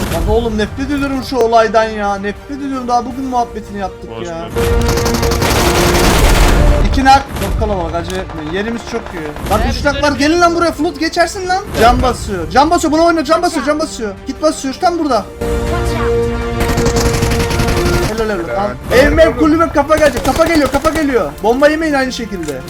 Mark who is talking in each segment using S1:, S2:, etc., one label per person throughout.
S1: Lan oğlum nefret ediyorum şu olaydan ya. Nefret ediyorum, daha bugün muhabbetini yaptık
S2: Boş
S1: ya.
S2: boş.
S1: İki nak. Çok kalabalık, acele etmeyin. Yerimiz çok iyi. Lan üç nak var, gelin lan buraya, Flut geçersin lan. Can basıyor. Can basıyor, buna oyna, can basıyor, can basıyor. Git basıyor, tam burada. Helal helal. Al. Evime kulübe kafa gelecek. Kafa geliyor, kafa geliyor. Bomba yemeyin aynı şekilde.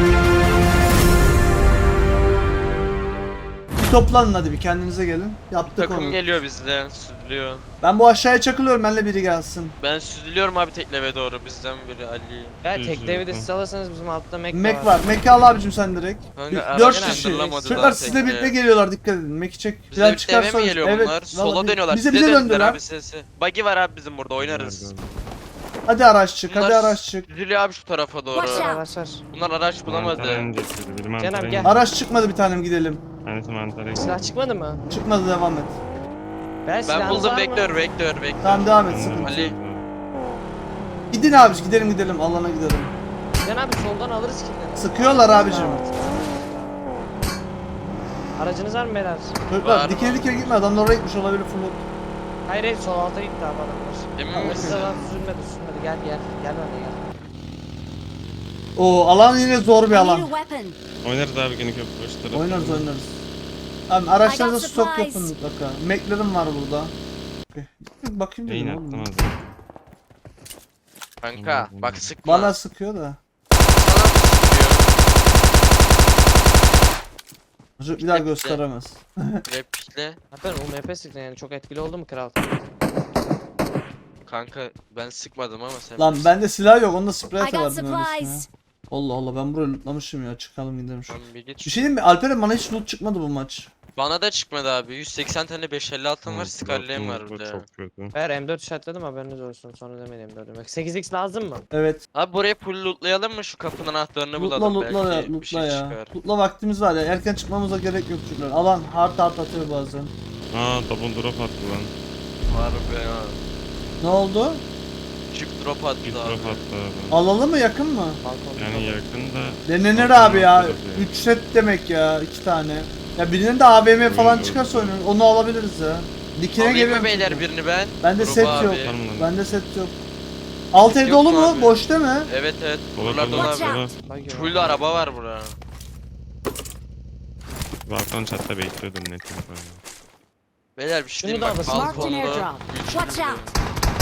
S1: Bir toplanın hadi, bir kendinize gelin. Yaptık
S3: Takım
S1: onu.
S3: geliyor bizden, süzülüyor.
S1: Ben bu aşağıya çakılıyorum, benimle biri gelsin.
S3: Ben süzülüyorum abi tekleve doğru, bizden biri Ali.
S4: Ya
S2: Düz
S4: tek devide
S2: yürü.
S4: siz alırsanız bizim altta Mac
S1: Mac var. Mac'i al abicim sen direkt.
S3: Kanka,
S1: 4
S3: araç
S1: kişi.
S3: kandırılamadı
S1: Çocuklar
S3: daha
S1: sizle birlikte
S3: tekne.
S1: geliyorlar, dikkat edin. Mac'i çek.
S3: Bizle birlikte eve mi geliyor bunlar?
S1: vallahi
S3: Sola dönüyorlar.
S1: Bize
S3: Size döndüler
S1: döndüler.
S3: abi sesi. Buggy var abi bizim burada, oynarız.
S1: Hadi araç çık, hadi
S3: Bunlar
S1: araç çık.
S3: Süzülüyor abi şu tarafa doğru.
S4: Watch out. Araç var.
S3: Bunlar araç bulamadı.
S4: Cenab, gel.
S1: Araç çıkmadı, bir tanem gidelim.
S2: Tanesi mantara
S4: Silah çıkmadı mı?
S1: Çıkmadı, devam et.
S3: Ben
S4: silahınız
S3: buldum,
S4: var mı?
S3: vektör.
S1: Tamam devam et, sıkıntı.
S3: Ali.
S1: Gidin abici, gidelim alana gidelim.
S4: Cenab soldan alırız killeri.
S1: Sıkıyorlar abicim.
S4: Aracınız var mı beyler?
S1: Çocuklar
S3: Var
S1: dikene dikene gitme, adamlar oraya gitmiş olabilir, Flut.
S4: Hayır hayır, sol alta gitti abi adamlar.
S3: Emin
S4: Ama
S3: misin?
S4: size lan sürmedi gel. Gel bana gel.
S1: Oo, alan yine zor bir
S5: I need a
S1: alan.
S5: weapon.
S2: Oynarız abi gene köprü başı tarafı.
S1: Oynarız. Abi araçlarda
S5: I got
S1: stok
S5: supplies.
S1: yapın mutlaka. Mac'lerim var burada. Okay. Bakayım
S2: Beyin
S1: dedim
S2: attım
S1: oğlum.
S2: az.
S3: Kanka bak sıkma.
S1: Bana sıkıyor da.
S3: Sana mı sıkıyor?
S1: Çocuk bir daha gösteremez.
S3: Replikle.
S4: Hatta UMP sıktın yani, çok etkili oldu mu kral?
S3: Kanka ben sıkmadım ama sen
S1: Lan bende silah yok, onda sprey
S5: I got
S1: atardım öylesine.
S5: supplies.
S1: Allah Allah, ben burayı lootlamışım ya, çıkalım gidelim şu.
S3: Lan bir git.
S1: Bir şey diyeyim mi? Alperen, bana hiç loot çıkmadı bu maç.
S3: Bana da çıkmadı abi. 180 tane 556 var, Scarlet'im var bir de.
S2: Çok kötü.
S4: Eğer M4 işaretledim, haberiniz olsun, sonra demeyin M4 demek. 8x lazım mı?
S1: Evet.
S3: Abi buraya full lootlayalım mı, şu kapının anahtarını
S1: Lootla
S3: bulalım
S1: lootla ya,
S3: belki bir
S1: lootla
S3: şey
S1: ya.
S3: çıkar.
S1: Lootla, vaktimiz var ya, erken çıkmamıza gerek yok çocuklar. Alan hard atıyor bazen.
S2: Aa double drop attı lan.
S3: Var be ya.
S1: Ne oldu?
S3: Çift drop attı
S2: Bir
S3: abi.
S2: drop attı abi.
S1: Alalım mı, yakın mı?
S4: Balkonda.
S2: Yani yakın da.
S1: Denenir
S2: Balkonda
S1: abi ya.
S2: tarafı yani.
S1: 3 set demek ya, 2 tane. Ya birinin de AVM falan
S2: Oyun
S1: çıkarsa
S2: doğru.
S1: oynarız. Onu alabiliriz ya. Dikine
S3: Alayım
S1: geliyorum.
S3: mı beyler
S1: çünkü.
S3: birini ben?
S1: Bende
S3: Grubu
S1: set
S3: abi.
S1: yok.
S2: Var mı lan?
S1: Bende set yok. Alt ev
S3: Yok
S1: dolu
S3: mu
S1: mu?
S3: abi?
S1: Boş değil mi?
S3: Evet.
S2: Dola
S3: Buralar dolu
S5: Watch
S3: abi.
S5: out.
S4: Bak ya.
S3: Full araba var bura.
S2: Balkon çatta bekliyordum net.
S3: Beyler bir şey
S4: Şunu
S3: diyeyim
S4: da
S3: bak,
S4: alırsın.
S5: Marked an
S3: balkonda.
S5: airdrop.
S3: üç
S5: Watch
S3: kişi.
S5: out.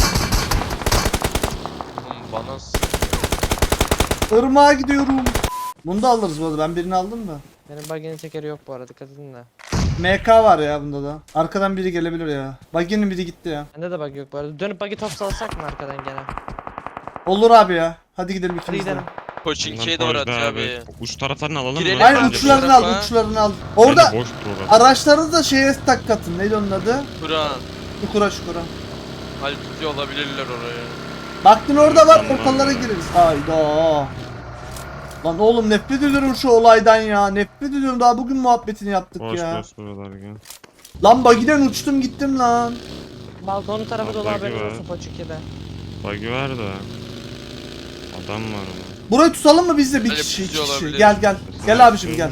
S3: Oğlum bana
S1: Irmağa gidiyorum. Bunu da alırız bu arada. Ben birini aldım da.
S4: Benim buggy'nin tekeri yok bu arada, dikkat edin de.
S1: MK var ya bunda da. Arkadan biri gelebilir ya. Buggy'nin biri gitti ya.
S4: Bende de buggy yok bu arada. Dönüp buggy top salsak mı arkadan gene?
S1: Olur abi ya. Hadi gidelim
S4: Hadi
S1: ikimiz de.
S4: gidelim.
S3: Koçinki'ye doğru atıyor abi.
S2: Uç taraflarını alalım
S3: Girelim
S2: mı?
S3: abi.
S1: Aynen,
S3: Bence
S1: uçlarını
S3: bu
S1: al,
S3: tarafa-
S1: uçlarını al.
S2: Bence
S1: Orada
S2: boş dur.
S1: araçları da şeye tak katın. Neydi onun adı?
S3: Kur'an.
S1: Çukura.
S3: Hal tutuyor olabilirler oraya.
S1: Baktın orada var,
S2: Tamam.
S1: ortalara gireriz. Hayda. Lan oğlum nefret ediyorum şu olaydan ya. Nefret ediyorum, daha bugün muhabbetini yaptık
S2: Boş
S1: ya.
S2: boş buralar gel.
S1: Lan buggy'den uçtum gittim lan.
S4: Balkonun tarafı dolu,
S2: Buggy
S4: haberiniz
S2: var.
S4: olsun Poçuki'de.
S2: Buggy var da. Adam var ama.
S1: Burayı tutalım mı biz de bir
S3: Öyle
S1: kişi,
S3: bir
S1: iki
S3: şey
S1: kişi.
S3: olabilir.
S1: Gel gel. Gel abicim gel.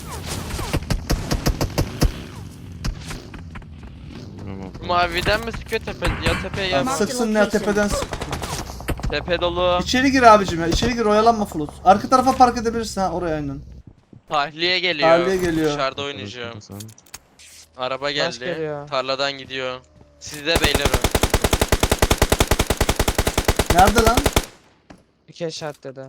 S3: Maviden mi sıkıyor ya tepeye ya
S1: Lan
S5: Marked
S1: sıksın ya,
S5: location.
S1: tepeden sık.
S3: tepe dolu.
S1: İçeri gir abicim ya, içeri gir, oyalanma Flut. Arka tarafa park edebilirsin ha, oraya aynen.
S3: Tahliye geliyor.
S1: Tahliye geliyor.
S3: Dışarıda oynayacağım. Araba
S4: Baş
S3: geldi.
S4: geliyor.
S3: Tarladan gidiyor. Sizde beylerim.
S1: Nerede lan?
S4: 2 eşat dedi.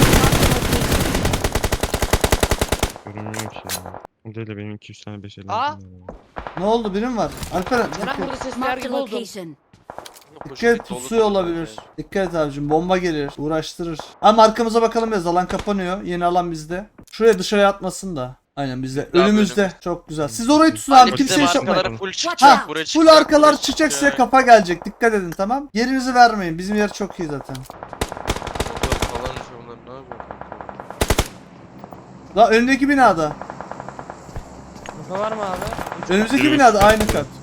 S2: Görünmüyor ki ya. O değil de benim 200 tane 5 50.
S4: Aa!
S1: Ne oldu, birim var? Alperen
S4: Neren
S1: dikkat,
S4: burada sesler
S5: Marked a
S4: gibi oldum.
S5: location.
S1: dikkat et, pusuyor olabilir. Dikkat et abicim, bomba gelir, uğraştırır. Ama arkamıza bakalım biraz, alan kapanıyor. Yeni alan bizde. Şuraya dışarıya atmasın da. Aynen bizde.
S3: Daha
S1: Önümüzde.
S3: bölüm.
S1: Çok güzel. Siz orayı tutun
S3: Abi
S1: abi,
S3: bizim
S1: kimse iş yapmayın.
S3: arkaları full
S5: Watch
S3: çıkacak.
S5: out.
S3: Buraya
S1: Full
S3: çıkacak.
S1: arkalar
S3: buraya
S1: çıkacak, size
S3: çıkacak.
S1: kafa gelecek. Dikkat edin, tamam. Yerinizi vermeyin. Bizim yer çok iyi zaten.
S3: Falan işte bunlar, ne yapıyor?
S1: La önündeki binada.
S4: Info var mı abi?
S1: Önümüzdeki
S2: Biri
S1: binada
S2: üç.
S1: aynı kat.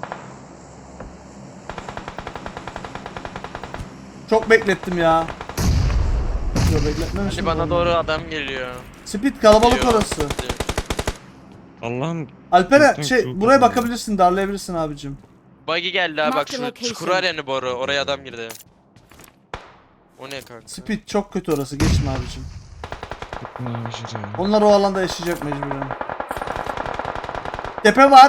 S1: Çok beklettim ya. Yok bekletmemişim.
S3: Hadi bana doğru adam geliyor.
S1: Speed kalabalık
S3: Geliyor.
S1: orası.
S2: Allah'ım
S1: Alperen
S2: Lütfen
S1: şey
S2: çok
S1: buraya
S2: güzel.
S1: bakabilirsin, darlayabilirsin abicim.
S3: Buggy geldi abi bak
S5: Mark the
S3: şu
S5: location.
S3: çukur var yani boru. Oraya adam girdi. O ne kanka?
S1: Speed çok kötü orası. Geçme abicim.
S2: Ne yapacağız ya?
S1: Onlar o alanda yaşayacak mecburen. Tepe var.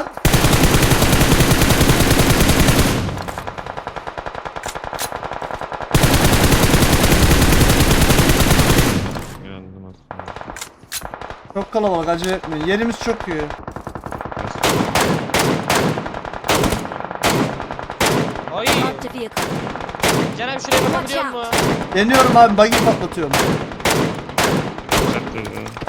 S2: Geldim aslında.
S1: Çok kalabalık, acele etmeyin. Yerimiz çok iyi.
S4: Ay.
S5: Marked a vehicle.
S4: Can abi şuraya bakabiliyor musun?
S1: Deniyorum abi, buggy patlatıyorum.
S2: Çattı.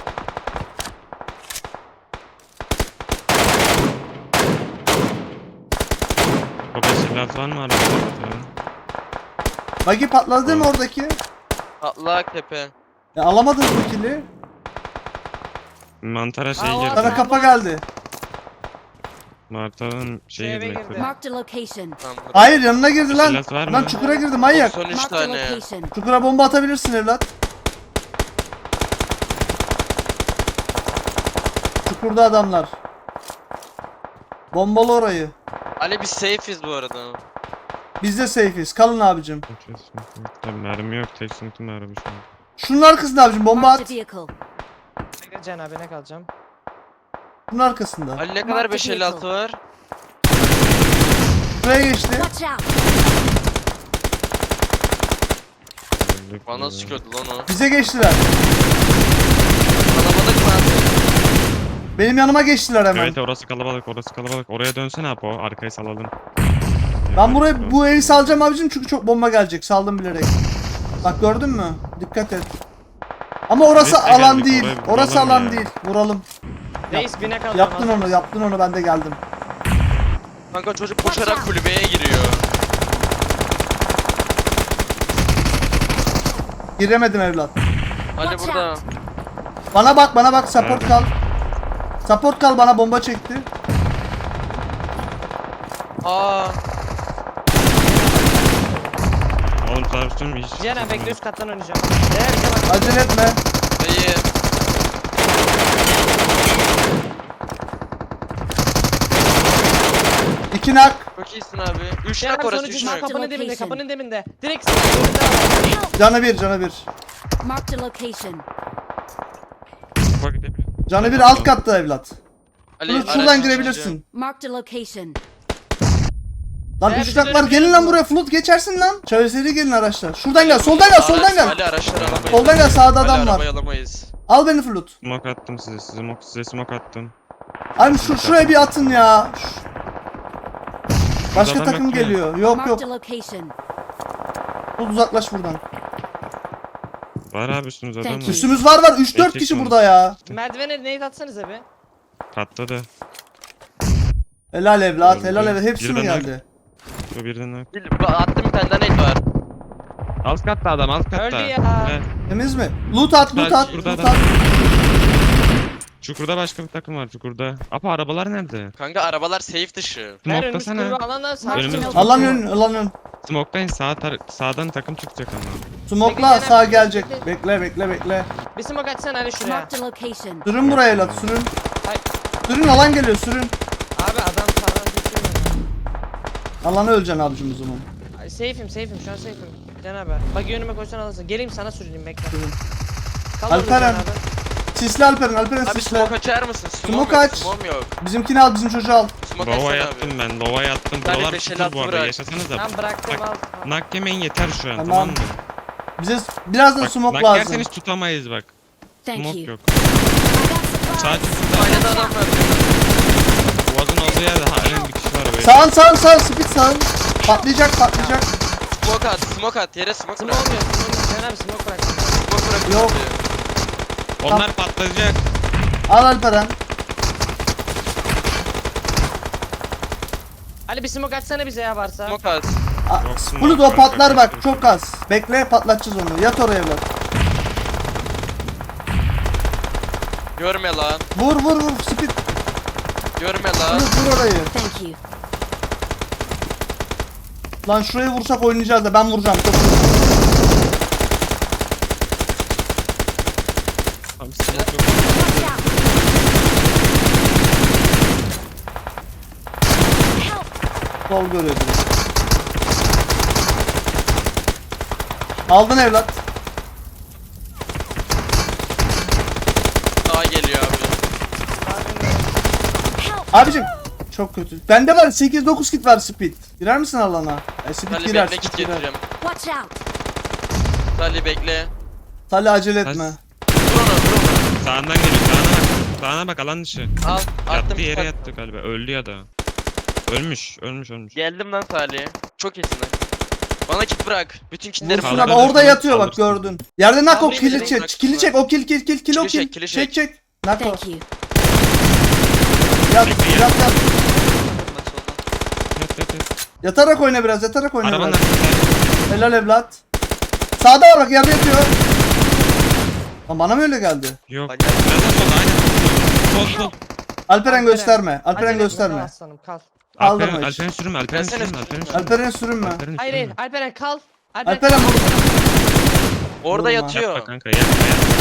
S2: Baba silah var mı arabada?
S1: Buggy patladı değil mi oradaki?
S3: Atlak tepe.
S1: Alamadınız mı kili?
S2: Mantara şey
S4: Aa,
S2: girdi.
S1: Sana kafa geldi.
S2: Mantarın
S4: Şu
S2: şey
S4: eve
S2: girdi.
S4: girdi.
S5: Marked a location.
S3: Tamam.
S1: Hayır, yanına girdi lan.
S2: Silah var
S1: Lan
S2: mı?
S1: çukura girdi manyak.
S3: 93
S5: Marked a
S3: tane.
S5: location.
S1: Çukura bomba atabilirsin evlat. Çukurda adamlar. Bombalı orayı.
S3: Ali biz safe'iz bu arada.
S1: Biz de safe'iz. Kalın abicim.
S2: Tabii mermi yok. Tek sıkıntı mermi şu an.
S1: Şunun arkasında abicim bomba
S5: Marked
S1: at.
S5: a vehicle.
S4: Bekle Can abi ne kalacağım?
S1: Şunun arkasında.
S3: Ali ne kadar
S5: Mark the
S3: 556 var?
S1: Şuraya geçti.
S5: Watch out.
S2: Öldük
S3: Bana
S2: ya.
S3: sıkıyordu lan o.
S1: Bize geçtiler.
S3: Kalabalık mı abi?
S1: Benim yanıma geçtiler hemen.
S2: Evet orası kalabalık orası kalabalık. Oraya dönsene Apo. Arkayı salalım.
S1: Ben buraya bu evi salacağım abicim çünkü çok bomba gelecek. Saldım bilerek. Bak gördün mü? Dikkat et. Ama orası
S2: Biz de
S1: alan
S2: geldik,
S1: değil.
S2: orayı
S1: Orası
S2: vuralım
S1: alan
S2: ya.
S1: değil. Vuralım.
S4: Reis bine kalacağım.
S1: Yaptın onu, yaptın onu. Ben de geldim.
S3: Kanka çocuk koşarak kulübeye giriyor.
S1: Giremedim evlat.
S3: Ali
S5: Watch
S3: burada.
S5: out.
S1: Bana bak, bana bak. Support
S2: Nerede?
S1: kal. Support kal, bana bomba çekti.
S3: Aa.
S2: Oğlum tartıştım hiç.
S4: Can abi bekle üst kattan oynayacağım. Değer bize bak.
S1: Acele etme.
S3: İyi.
S1: İki nak.
S3: Çok iyisin abi. 3
S4: Can
S3: nak
S4: abi
S3: orası
S4: sonucu
S3: 3
S4: şu
S3: nak.
S4: kapının dibinde
S5: Location.
S4: kapının dibinde. Direkt sınır önünde var.
S1: Canı bir, canı bir.
S5: Marked a location.
S2: Bak gidebiliyor.
S1: Canı bir alt katta evlat.
S3: Ali
S1: Şuradan
S3: araçtan
S1: girebilirsin.
S5: Marked a location.
S1: Lan
S4: Veya
S1: üç
S4: bizi
S1: nak var.
S4: dönebiliyor
S1: Gelin lan
S4: mu?
S1: buraya. Flut geçersin lan. Çevreseri gelin araçlar. Şuradan gel. Soldan gel.
S3: çıkacağım.
S1: Soldan gel.
S3: Ali araçları alamayız.
S1: Soldan gel. Sağda
S3: Ali
S1: adam var.
S3: arabayı alamayız.
S1: Al beni Flut.
S2: Smoke attım size. Size smoke attım.
S1: Abi şuraya bir atın ya. Başka
S2: Adam
S1: takım
S2: yok ki.
S1: geliyor. Yok
S5: Marked
S1: yok.
S5: a location.
S1: Flut uzaklaş buradan.
S2: Var abi üstümüz adam
S5: Thank
S2: var.
S5: you.
S1: Üstümüz var 3-4
S2: Erkek
S1: kişi
S2: var.
S1: burada ya.
S4: Merdivene nade atsanıza be.
S2: Patladı.
S1: Helal evlat.
S2: Öldü.
S1: Helal evlat. Hepsi mi
S2: Birden
S1: geldi?
S2: Bu birden nak.
S3: Attım bir tane daha nade var.
S2: Alt katta adam alt katta.
S4: Öldü ya.
S2: Evet.
S1: Temiz mi? Loot at, loot at,
S2: Burada
S1: loot
S2: adam.
S1: at.
S2: Çukurda başka bir takım var çukurda. Apa arabalar nerede?
S3: Kanka arabalar safe dışı.
S4: Her önümüz
S2: Smoke'lasana.
S4: kulübe alandan sağ.
S2: Önümüz-
S5: Marked
S1: Alan ön, alan ön.
S2: Smoke'dayın sağdan takım çıkacak ama.
S1: Smoke'la
S4: Bekle,
S1: sağ
S4: bekle.
S1: gelecek. Bekle, bekle, bekle.
S4: Bir smoke açsana Ali şuraya.
S5: Marked a location.
S1: Sürün buraya evlat, sürün.
S4: Hayır.
S1: Sürün, alan geliyor, sürün.
S4: Abi adam sağdan düşüyor.
S1: Alanı öleceksin abicim o zaman.
S4: Ay, safe'im şu an safe'im. Can abi. Bak önüme koysan alırsın. Geleyim sana sürüneyim bekle.
S1: Sürün.
S4: Kal orada
S1: Alperen.
S4: Can abi.
S1: Sisli Alperen
S3: Abi
S1: sisle.
S3: smoke açar mısın?
S1: Smoke
S3: yok,
S1: aç.
S3: Smoke yok.
S1: Bizimkini al, bizim çocuğu al.
S3: Smoke
S2: Lova
S3: açsana
S2: yattım
S3: abi.
S2: ben. Lova yattım.
S3: Ben de
S2: Buralar
S3: 556
S2: tutur bu arada.
S3: bırak.
S2: Yaşasanıza.
S4: Tamam bıraktım
S2: Bak,
S4: al.
S2: Nak yemeyin yeter şu an
S1: Tamam.
S2: tamam, mı?
S1: Bize birazdan
S2: Bak
S1: smoke
S2: nak
S1: lazım.
S2: yerseniz tutamayız bak.
S5: Thank
S2: Smoke
S5: you.
S2: yok.
S5: I got
S2: Sadece
S5: supplies.
S3: Aynada adam var.
S2: boğazın olduğu yerde halen bir kişi var böyle.
S1: Sağın, speed sağın. Patlayacak.
S3: Smoke at. Yere smoke
S4: Smoke
S3: bırak.
S4: olmuyor. Can abi smoke bıraktım.
S3: Smoke bırak.
S1: Yok.
S2: Onlar patlayacak.
S1: Al Alperen.
S4: Ali bir smoke açsana bize ya varsa.
S3: Smoke at.
S2: Yok, smoke
S1: Bulut o
S2: var,
S1: patlar
S2: çok
S1: bak,
S2: az.
S1: çok az. Bekle, patlatacağız onu. Yat oraya evlat.
S3: Görme lan.
S1: Vur, speed.
S3: Görme lan.
S1: Vur orayı.
S5: Thank you.
S1: Lan şuraya vursak oynayacağız da ben vuracağım. Çok
S2: Abi smoke yok.
S5: Watch out. Help.
S1: Sol görüyor direkt. Aldın evlat.
S3: Daha geliyor abi.
S1: Abicim çok kötü. Bende var 8-9 kit var speed. Girer misin alana? Speed
S3: Salih
S1: girer,
S3: bekle,
S1: speed
S3: kit
S1: girer.
S3: getireceğim.
S5: Watch out!
S3: Salih bekle.
S1: Salih acele
S2: Sas-
S1: etme.
S3: Vur onu.
S2: Sağından geliyor sağına bak. Sağına bak alan dışı.
S3: Al. Attım.
S2: Yattı yere
S3: kit.
S2: yattı galiba. Öldü ya da. Ölmüş.
S3: Geldim lan Salih. Çok iyisin lan. Bana kit bırak. Bütün kitleri
S1: Vursun
S2: Kaldır,
S1: abi
S2: kaldır,
S1: orada yatıyor bak
S2: kaldırsın.
S1: gördün. Yerde nak o
S3: Kaldırayım
S1: kili
S3: direkt,
S1: çek.
S3: bırak.
S1: Kili çek o kill o
S3: Kili
S1: kill.
S3: çek, kili çek.
S1: Çek. Nak o.
S5: Thank you.
S1: Yat
S2: Bekle,
S1: yat
S2: yat.
S1: yat.
S2: Yat yat yat.
S1: Yatarak oyna biraz yatarak oyna
S2: Arabanın
S1: biraz.
S2: arkasında.
S1: Helal evlat. Sağda var bak yerde yatıyor. Lan bana mı öyle geldi?
S2: Yok.
S3: Bak,
S2: Biraz da solda aynen. Sol sol.
S1: Alperen gösterme. Alperen
S4: Acele etme,
S1: gösterme.
S4: kal aslanım kal.
S1: Kaldırma
S2: Alperen,
S1: hiç.
S2: Alperen sürünme. Alperen
S3: Versene
S2: sürünme. Alperen
S3: sürünme.
S2: sürünme.
S1: Alperen'e sürünme.
S2: Alperen
S4: Hayır hayır
S2: sürünme.
S4: Alperen kal. Alperen
S1: Alperen vur.
S3: Orada
S1: Vurma.
S3: yatıyor.
S2: Yapma kanka yapma yapma.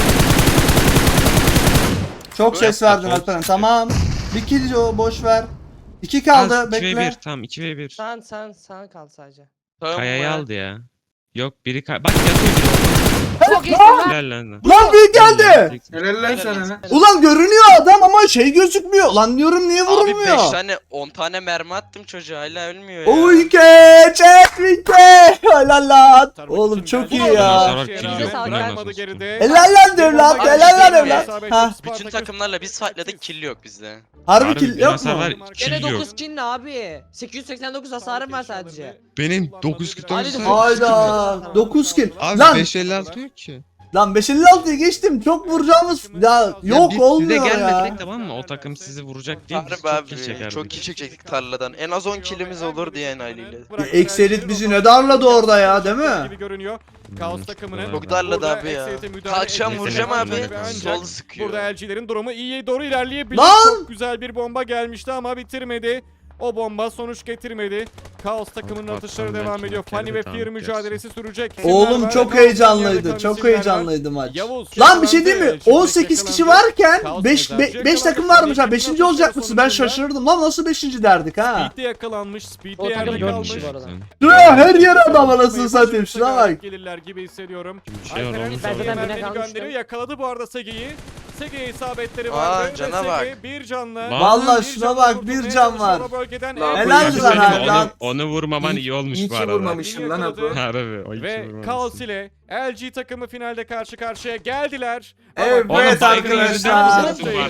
S1: Çok ses
S2: Yapma,
S1: verdin
S2: sol
S1: Alperen.
S2: sıkıyor.
S1: Tamam. Bir kill o boş ver. 2 kaldı
S2: Az, 2v1
S1: bekle.
S2: tamam 2v1.
S4: Sen kal sadece.
S3: Tamam
S2: Kayayı
S3: mı?
S2: aldı ya. Yok biri bak yatıyor biri.
S4: Çok iyisin lan.
S2: Helal lan.
S1: Lan büyük geldi.
S6: Helal lan sana lan.
S1: Ulan görünüyor adam ama şey gözükmüyor. Lan diyorum niye
S3: Abi
S1: vurulmuyor?
S3: 5 tane 10 tane mermi attım çocuğa hala ölmüyor ya.
S1: Uyke çekvike. Helal lan. Oğlum çok iyi
S2: Ondan
S1: ya.
S2: sonra kill yok.
S4: Bırakmadı
S1: Helal lan evlat.
S3: Abi,
S1: Helal lan
S3: şey mi?
S1: evlat. Ha.
S3: Bütün takımlarla biz fightladık kill yok bizde.
S1: Harbi kill
S2: bir
S1: yok
S2: hasar
S1: mu?
S2: var,
S4: Gene
S2: kill yok.
S4: 9 kill ne abi? 889 hasarım var sadece.
S2: Benim 9 kill
S4: Hadi
S2: olsa.
S1: Hayda 9 kill.
S2: Abi
S1: Lan
S2: 556 yok ki.
S1: lan 556'yı geçtim. Çok vuracağımız ya yok
S2: biz
S1: olmuyor
S2: size
S1: ya.
S2: gelmedik tamam mı? O takım sizi vuracak diye biz
S3: Harbi
S2: çok kill
S3: abi
S2: çekerdik.
S3: çok kill çekecektik tarladan. En az 10 killimiz olurdu yani aileyle.
S1: Ekselit bizi ne darladı orada ya değil mi?
S6: Gibi görünüyor. Kaos takımının.
S3: Çok darladı
S6: Burada
S3: abi ya.
S6: Excel'e müdahale
S3: Kalkacağım
S6: edilmesi
S3: vuracağım
S6: lazım
S3: abi.
S6: ve ancak
S3: Sol sıkıyor.
S6: Burada LG'lerin durumu iyiye doğru ilerleyebilir.
S1: Lan!
S6: Çok güzel bir bomba gelmişti ama bitirmedi. O bomba sonuç getirmedi. Kaos takımının
S2: Bak,
S6: atışları
S2: belki
S6: devam ediyor.
S2: bir kere
S6: Funny
S2: de
S6: ve
S2: tamam,
S6: Fear
S2: gerçi.
S6: mücadelesi sürecek.
S1: Oğlum
S6: İsimler
S1: çok
S6: var.
S1: heyecanlıydı.
S6: Yerde
S1: Çok
S6: kalan isimler var.
S1: heyecanlıydı maç.
S6: Yavuz
S1: Lan bir şey değil mi?
S6: yakalandı.
S1: 18 kişi
S6: Yakalandı.
S1: varken
S6: Kaos
S1: 5
S6: yakalandı.
S1: takım varmış ha.
S6: Yakalandı.
S1: 5. olacak mısın? Ben şaşırdım. Lan nasıl 5. derdik ha?
S6: Speed'de yakalanmış. Speed'de
S4: O takım
S6: yerde
S4: 4
S6: kalmış.
S4: kişi bu arada.
S1: Şuraya her yere adam anasını satayım. Şuna bak.
S6: Gelirler gibi hissediyorum.
S2: Bir şey
S6: Alperen
S2: olmuş.
S4: Ben zaten
S6: Sege'ye
S4: bine
S6: mermini
S4: kalmıştım.
S6: gönderiyor. Yakaladı bu arada Sege'yi. Sege'ye isabetleri
S3: Aa,
S6: vardı. Ve
S3: cana
S6: Sege
S3: bak.
S6: bir canla.
S1: Vallahi
S6: Bir
S1: şuna
S6: canla
S1: bak,
S6: kurtulmaya
S1: bir can var.
S6: çalışıyor o bölgeden.
S7: Lan
S6: En
S1: helal
S6: büyük
S1: lan
S6: hasarı
S1: abi,
S6: aldı.
S1: lan.
S2: Onu vurmaman iyi olmuş
S7: İyi
S2: bu
S7: ki
S2: arada.
S7: vurmamışım lan Apo.
S2: Harbi o iki
S6: Ve
S2: vurmamışsın.
S6: Kaos ile LG takımı finalde karşı karşıya geldiler.
S1: Evet
S2: Oğlum,
S1: arkadaşlar.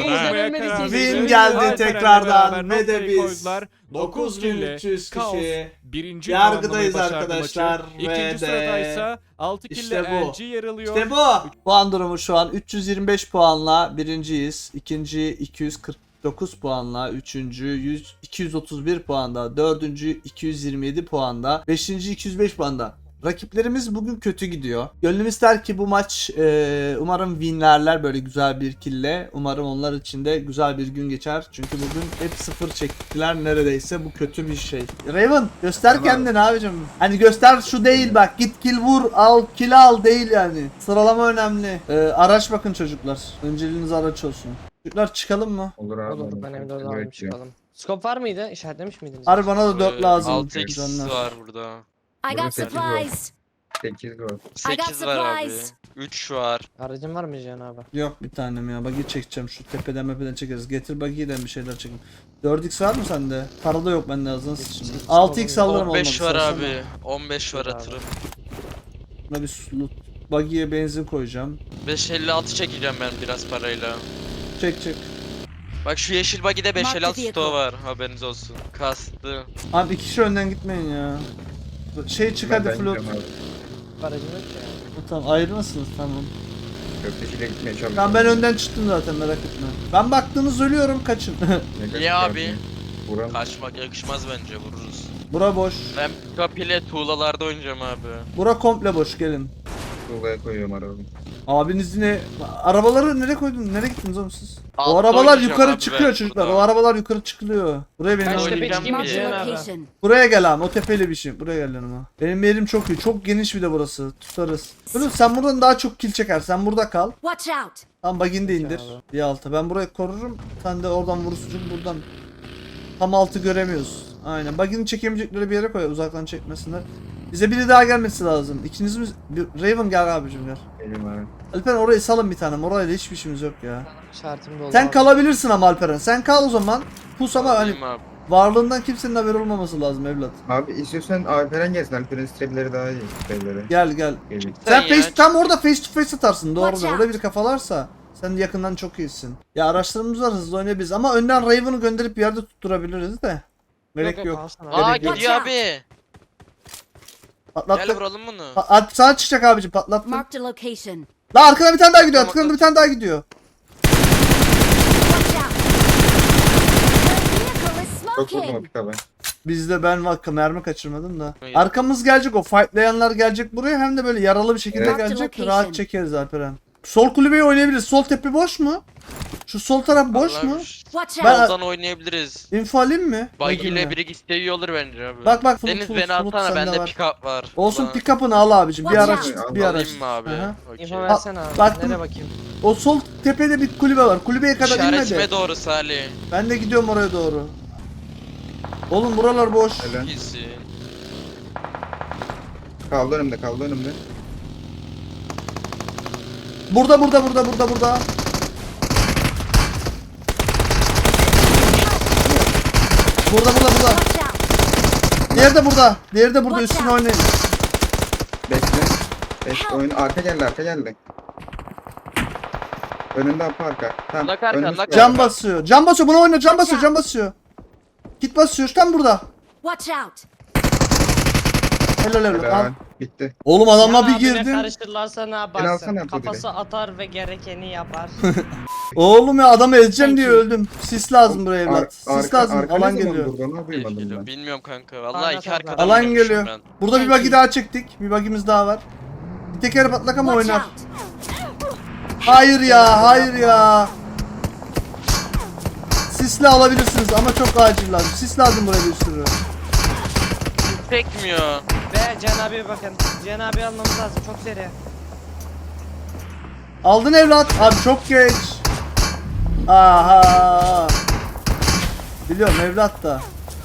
S4: Win
S1: Win geldi tekrardan ve de biz 9300 kişi
S6: birinci
S1: yargıdayız
S6: tamamlamayı başardı
S1: arkadaşlar
S6: maçı.
S1: ve
S6: İkinci
S1: de
S6: sıradaysa 6 kill
S1: işte
S6: ile
S1: bu.
S6: LG yer alıyor.
S1: İşte bu. Puan durumu şu an 325 puanla birinciyiz. İkinci 249 puanla. Üçüncü 231 puanda. Dördüncü 227 puanda. Beşinci 205 puanda. Rakiplerimiz bugün kötü gidiyor. Gönlüm ister ki bu maç umarım winlerler böyle güzel bir kille. Umarım onlar için de güzel bir gün geçer. Çünkü bugün hep sıfır çektiler neredeyse. Bu kötü bir şey. Raven göster kendini abicim. Hani göster şu değil bak. Git kill vur al kill al değil yani. Sıralama önemli. Araç bakın çocuklar. Önceliğiniz araç olsun. Çocuklar çıkalım mı?
S7: Olur abi.
S4: Olur ben evde
S7: Evet
S4: aldım
S7: ya.
S4: çıkalım. Scope var mıydı? İşaretlemiş miydiniz?
S1: Harbi bana da 4 lazım.
S3: 6x
S1: Canlar.
S3: var burada.
S5: I got supplies.
S7: 8 gol.
S3: 8 var abi.
S5: supplies.
S3: 3 var.
S4: Aracın var mı Cihan abi?
S1: Yok bir tanem ya. Buggy çekeceğim. Şu tepeden mepeden çekeriz. Getir buggy'den bir şeyler çekin. 4x var mı sende? Para da yok bende ağzına sıçın. 6x alırım
S3: 15
S1: olmadı.
S3: var
S1: sarsana.
S3: abi. 15 var
S4: Abi.
S3: atırım.
S1: Buna bir loot. Buggy'ye benzin koyacağım.
S3: 556 çekeceğim ben biraz parayla.
S1: Çek çek.
S3: Bak şu yeşil buggy'de 556
S5: vehicle.
S3: stoğu var. Haberiniz olsun. Kastı.
S1: Abi 2 kişi önden gitmeyin ya. Şey çık hadi
S7: Ben
S1: float.
S7: gidiyorum abi.
S4: Aracım yok ya.
S1: Tamam ayrılmasınız tamam.
S7: Köfteciyle gitmeye çalışıyorum.
S1: Tamam ben önden çıktım zaten merak etme. Ben baktığınız ölüyorum kaçın.
S3: Niye abi?
S7: Buram.
S3: Kaçmak yakışmaz bence vururuz.
S1: Bura boş.
S3: Ben pick-up ile tuğlalarda oynayacağım abi.
S1: Bura komple boş gelin.
S7: Tuğlaya koyuyorum arabamı.
S1: Abiniz yine arabaları nereye koydun? Nereye gittiniz oğlum siz? O
S3: Altta
S1: arabalar
S3: oynayacağım
S1: yukarı
S3: abi
S1: çıkıyor
S3: ben
S1: çocuklar.
S3: burada.
S1: O arabalar yukarı çıkılıyor. Buraya beni
S4: Ben
S1: al.
S4: şu tepeye
S3: Oynayacağım
S4: çıkayım mı
S3: bir
S5: Marked
S4: Cihan
S5: a
S4: abi?
S5: location.
S1: Buraya gel abi. O tepeli bir şey. Buraya gel yanıma. Benim yerim çok iyi. Çok geniş bir de burası. Tutarız. Oğlum sen buradan daha çok kill çeker. Sen burada kal.
S5: Watch out.
S1: Tam bagini de indir. Bir alta. Ben burayı korurum. Sen de oradan vurursun. Çünkü buradan tam altı göremiyoruz. Aynen. Buggy'ni çekemeyecekleri bir yere koy. Uzaktan çekmesinler. Bize biri daha gelmesi lazım. İkiniz mi? Raven gel abicim gel.
S7: Geliyorum abi.
S1: Alperen orayı salın bir tane. Orayla hiçbir işimiz yok ya.
S4: Şartım doldu.
S1: Sen
S4: abi.
S1: kalabilirsin ama Alperen. Sen kal o zaman. Pus ama hani
S3: Alayım abi.
S1: varlığından kimsenin haberi olmaması lazım evlat.
S7: Abi istiyorsan Alperen gelsin. Alperen'in strepleri daha iyi. Strepleri.
S1: Gel gel.
S7: Geliyor.
S1: Sen
S3: ya,
S1: face, tam orada face to face atarsın. Doğru.
S5: Watch out.
S1: Orada bir kafalarsa sen yakından çok iyisin. Ya araçlarımız var, hızlı oynayabiliriz ama önden Raven'ı gönderip bir yerde tutturabiliriz de. Gerek yok.
S4: alsana abi.
S3: Aa
S1: Gerek yok.
S3: gidiyor abi. Gel
S1: Patlattık.
S3: vuralım bunu.
S1: Sana çıkacak abicim, patlattım.
S5: Marked a location.
S1: La arkadan bir tane daha gidiyor.
S3: Tamam,
S1: Arkadan bir tane daha gidiyor.
S5: Watch out. The vehicle is
S7: Çok vurdum o
S5: smoking.
S7: pikaba.
S1: Bizde ben mermi kaçırmadım da.
S3: Hayır.
S1: Arkamız gelecek, o fightlayanlar gelecek buraya, hem de böyle yaralı bir şekilde
S7: Evet.
S1: gelecek.
S5: Location.
S1: Rahat çekeriz Alperen. Sol kulübeyi oynayabiliriz. Sol tepe boş mu? Şu sol taraf boş mu?
S5: Watch
S1: Ben-
S5: out.
S3: Soldan oynayabiliriz.
S1: Info alayım mı?
S3: Buggy
S1: Bakayım
S3: ile
S1: ya.
S3: biri gitse iyi olur bence abi.
S1: Bak bak,
S3: Deniz
S1: Flut,
S3: beni
S1: Flut
S3: atsana,
S1: sende
S3: bende
S1: var.
S3: pick-up var.
S1: Olsun,
S3: Bana-
S1: pick-up'ını al abicim. Bir
S5: Watch
S1: araç,
S7: out.
S1: bir araç.
S3: Alayım mı abi?
S1: Aha.
S3: Okey.
S4: İnfo versene abi.
S1: baktım.
S4: Nereye bakayım?
S1: O sol tepede bir kulübe var. Kulübeye kadar inme
S3: İşaretime
S1: de.
S3: doğru Salih.
S1: Ben de gidiyorum oraya doğru. Oğlum buralar boş.
S7: Helal.
S3: İyisin.
S7: Kaldı önümde, kaldı önümde.
S1: Burada. Burada.
S5: Watch out.
S1: Diğeri de burada. Diğeri de burada.
S5: Watch
S1: Üstüne
S5: out.
S1: oynayın.
S7: Bekle. Bekle oyun. Arka geldi, arka geldi. Önünde apa arka. Tamam.
S3: Lak arka,
S7: önümüz
S3: lak
S7: geldi.
S1: Cam basıyor. Cam basıyor. Buna oyna. Cam basıyor. Cam basıyor. Git basıyor. Tam burada.
S5: Watch out.
S1: Helal helal. Al.
S7: Helal. Bitti.
S1: Oğlum adamla
S4: Ya
S1: bir
S4: abine
S1: girdim.
S4: karıştırırlarsa ne
S7: alsana
S4: yaparsın?
S7: bu
S4: Kafası atar ve gerekeni yapar.
S1: Oğlum ya, adamı ezeceğim
S4: Thank
S1: diye
S4: you.
S1: öldüm. Sis lazım buraya evlat. Sis lazım.
S7: arka
S1: Alan
S7: ne zaman
S1: geliyor.
S7: durdu, onu duymadım ben.
S3: Bilmiyorum kanka. Vallahi
S4: Aynen,
S3: iki
S4: aynen.
S3: arkadan
S1: Alan
S3: oynamışım
S1: geliyor.
S3: ben.
S1: Burada bir
S5: Thank
S1: buggy
S5: you.
S1: daha çektik. Bir buggy'miz daha var. Bir tekeri patlak ama
S5: Watch
S1: oynar.
S5: out.
S1: Hayır ya. Sisle alabilirsiniz ama çok acil lazım. Sis lazım buraya bir sürü.
S3: Tekmiyor.
S4: Ve Cihan abiye bakın. Cihan abi almamız lazım. Çok seri.
S1: Aldın evlat. Abi çok geç. Aha. Biliyorum evlat da.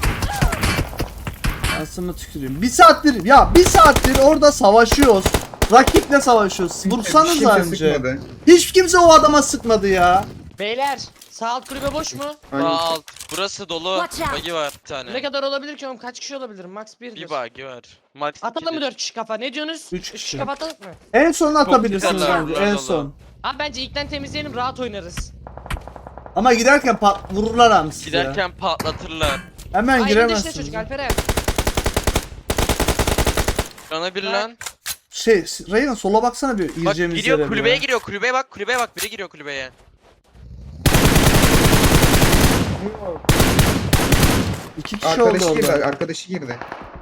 S1: Aslında tüküreyim. Bir saattir orada savaşıyoruz. Rakiple savaşıyoruz. Vursanız
S7: Kimse
S1: önce.
S7: sıkmadı.
S1: Hiç kimse o adama sıkmadı ya.
S4: Beyler sağ alt kulübe boş mu?
S7: Aynen.
S3: Sağ alt. Burası dolu.
S5: Watch out.
S3: Buggy var bir tane.
S4: Ne kadar olabilir ki oğlum? Kaç kişi olabilir? Max 1'dir.
S3: Bir buggy var. Max
S4: Atalım mı
S3: ikidir.
S4: 4 kişi kafa? Ne diyorsunuz?
S1: Üç
S4: 3
S1: kişi.
S4: kişi kafa atalım mı?
S1: En son atabilirsiniz
S3: güzeller,
S1: bence.
S3: bravo.
S1: En son.
S4: Abi bence ilkten temizleyelim rahat oynarız.
S1: Ama giderken vururlar abi size.
S3: Giderken patlatırlar.
S1: Hemen
S4: Ay işte
S1: giremezsiniz.
S4: çocuk Alperen.
S3: Bana bir
S4: Bak.
S3: lan.
S1: Reyna sola baksana bir
S3: Bak
S1: gireceğimiz
S3: giriyor
S1: yere
S3: kulübeye
S1: bir.
S3: giriyor. Kulübeye bak. Kulübeye bak. Biri giriyor kulübeye.
S1: İki kişi oldu
S7: Arkadaşı girdi,
S1: orada.
S7: arkadaşı girdi.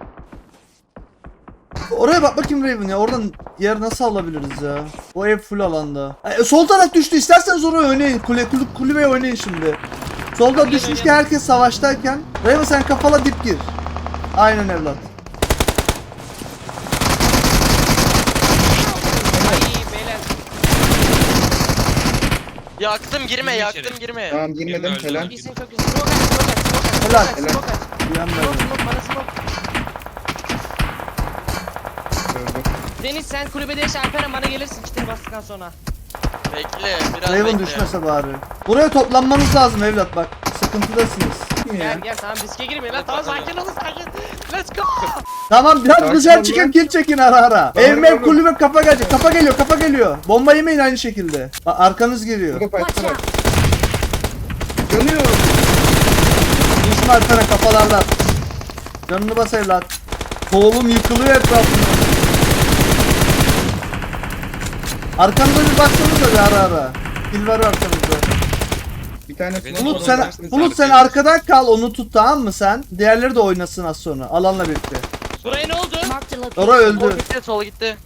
S1: Oraya bak bakayım Raven ya. Oradan yer nasıl alabiliriz ya? O ev full alanda. Sol taraf düştü. İsterseniz oraya oynayın. Kulübeye oynayın şimdi. Solda
S4: Kulübe
S1: düşmüşken
S4: oynayalım.
S1: herkes savaştayken. Raven sen kafala dip gir. Aynen evlat.
S4: Ay beyler.
S3: Yaktım girme.
S2: Girme
S3: Yaktım
S2: içeri.
S3: girme.
S7: Tamam girmedim,
S2: Girme, öldü.
S7: helal.
S4: İyisin çok iyisin. Smoke at, smoke at, smoke at,
S1: Helal,
S4: smoke at,
S7: helal.
S4: smoke at.
S1: Uyan
S4: Smoke,
S1: ben.
S4: smoke, bana smoke.
S7: Gördüm.
S4: Deniz sen kulübede yaşa Alperen bana gelirsin kitini bastıktan sonra.
S3: Bekle. Biraz
S1: Raven
S3: bekle.
S1: düşmese bari. Buraya toplanmanız lazım evlat bak. Sıkıntıdasınız.
S4: Gel gel tamam riske girmeyin lan tamam sakin olun sakin. Let's go.
S1: Tamam biraz
S7: Sakin
S1: dışarı
S7: ol
S1: çıkın,
S7: lan.
S1: kill çekin ara ara.
S7: Tamam,
S1: Ev mev
S7: oğlum.
S1: kulübe kafa gelecek. Kafa geliyor. Bomba yemeyin aynı şekilde. Bak arkanız geliyor.
S7: Burada
S5: Watch
S7: fight'ta var.
S5: out.
S7: Yanıyor.
S1: Düşme arkana kafalardan. Canını bas evlat. Oğlum yıkılıyor etrafında. Arkanıza bir baksanıza bir ara ara. Kill var arkanızda.
S7: Bir tane
S2: Benim
S1: Bulut
S2: Oğlum,
S1: sen arkadan kal, onu tut tamam mı sen? Diğerleri de oynasın az sonra alanla birlikte.
S4: Buraya ne oldu?
S5: Marked a location.
S1: Ora
S3: Sol
S1: öldü.
S3: gitti. Sol gitti.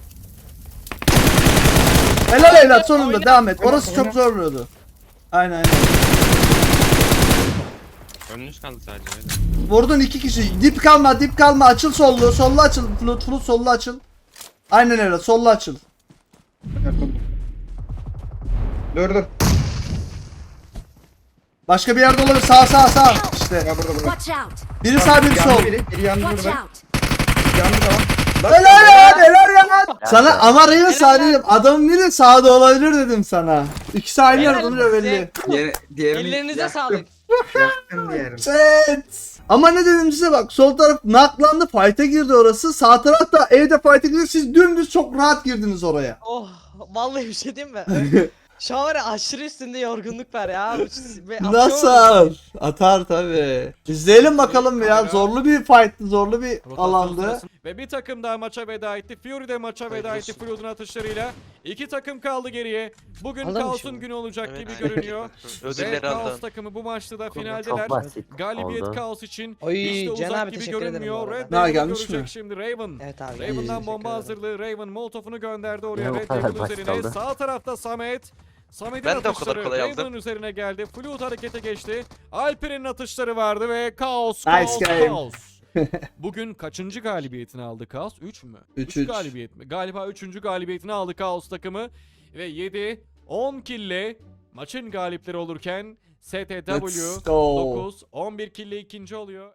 S1: Helal evlat sonunda
S4: Oyna.
S1: devam et. Orası
S7: Oyna.
S1: çok zorluyordu. Aynen.
S2: Önünüz kaldı sadece. öyle.
S1: Vurdun iki kişi. Dip kalma. Açıl sollu. Sollu açıl. Flut sollu açıl. Aynen evlat sollu açıl.
S7: Dur.
S1: Başka bir yerde olabilir. Sağ. işte.
S7: Ya burada burada.
S5: Watch out!
S1: Biri sağ biri
S7: Yandı
S1: sol.
S7: biri yandı
S5: Watch
S7: burada.
S5: out!
S7: Yandı tamam. Bak,
S1: Helal ya, helal ya. Sana ama Reyna sağ dedim. Adamın biri sağda olabilir dedim sana. İkisi aynı
S4: Helal
S1: yerde
S4: olsun.
S1: duruyor belli.
S7: Diğerini
S4: Ellerinize
S7: yaktım.
S4: sağlık.
S7: Yaktım diğerini.
S1: Evet. Ama ne dedim size bak, sol taraf naklandı, fight'a girdi orası. Sağ taraf da evde fight'a girdi. Siz dümdüz çok rahat girdiniz oraya.
S4: Oh vallahi bir şey diyeyim mi? Şu an var ya aşırı üstünde yorgunluk var ya.
S1: Nasıl? Atar tabi. İzleyelim bakalım ya. Zorlu bir fight'tı, zorlu bir
S6: Rotasyon
S1: alandı.
S6: sırasında- Ve bir takım daha maça veda etti. Fury de maça veda etti Flood'un atışlarıyla. 2 takım kaldı geriye. Bugün
S4: Aldım
S6: Kaos'un
S4: şimdi.
S6: günü olacak
S3: Evet.
S6: gibi görünüyor. Ve
S3: Ödülleri
S6: Kaos
S3: aldın.
S6: takımı bu maçta da finaldeler.
S8: Çok basit
S6: Galibiyet
S8: oldu.
S6: Kaos için
S4: Oy,
S6: hiç de
S4: Can
S6: uzak
S4: abi
S6: gibi
S4: teşekkür ederim bu
S6: görünmüyor.
S4: arada.
S6: Red
S1: Ha,
S6: Devil'ı
S1: gelmiş
S6: görecek
S1: mi?
S6: şimdi Raven.
S4: Evet abi.
S6: Raven'dan
S4: teşekkür
S6: bomba
S4: ederim.
S6: hazırlığı. Raven molotofunu gönderdi oraya.
S8: Ne bu
S6: Red
S8: kadar
S6: Devil
S8: basit
S6: üzerine.
S8: oldu?
S6: Sağ tarafta Samet. Samet'in
S3: Ben de o kadar
S6: atışları
S3: kolay aldım.
S6: Raven'ın üzerine geldi. Flood harekete geçti. Alper'in atışları vardı ve Kaos,
S1: Nice
S6: Kaos,
S1: game.
S6: Kaos. Bugün kaçıncı galibiyetini aldı Kaos? 3 mü?
S1: 3.
S6: 3 galibiyet mi? Galiba 3. galibiyetini aldı Kaos takımı. Ve 7-10 kille maçın galipleri olurken STW
S1: Let's go.
S6: 9 11 kille ikinci oluyor.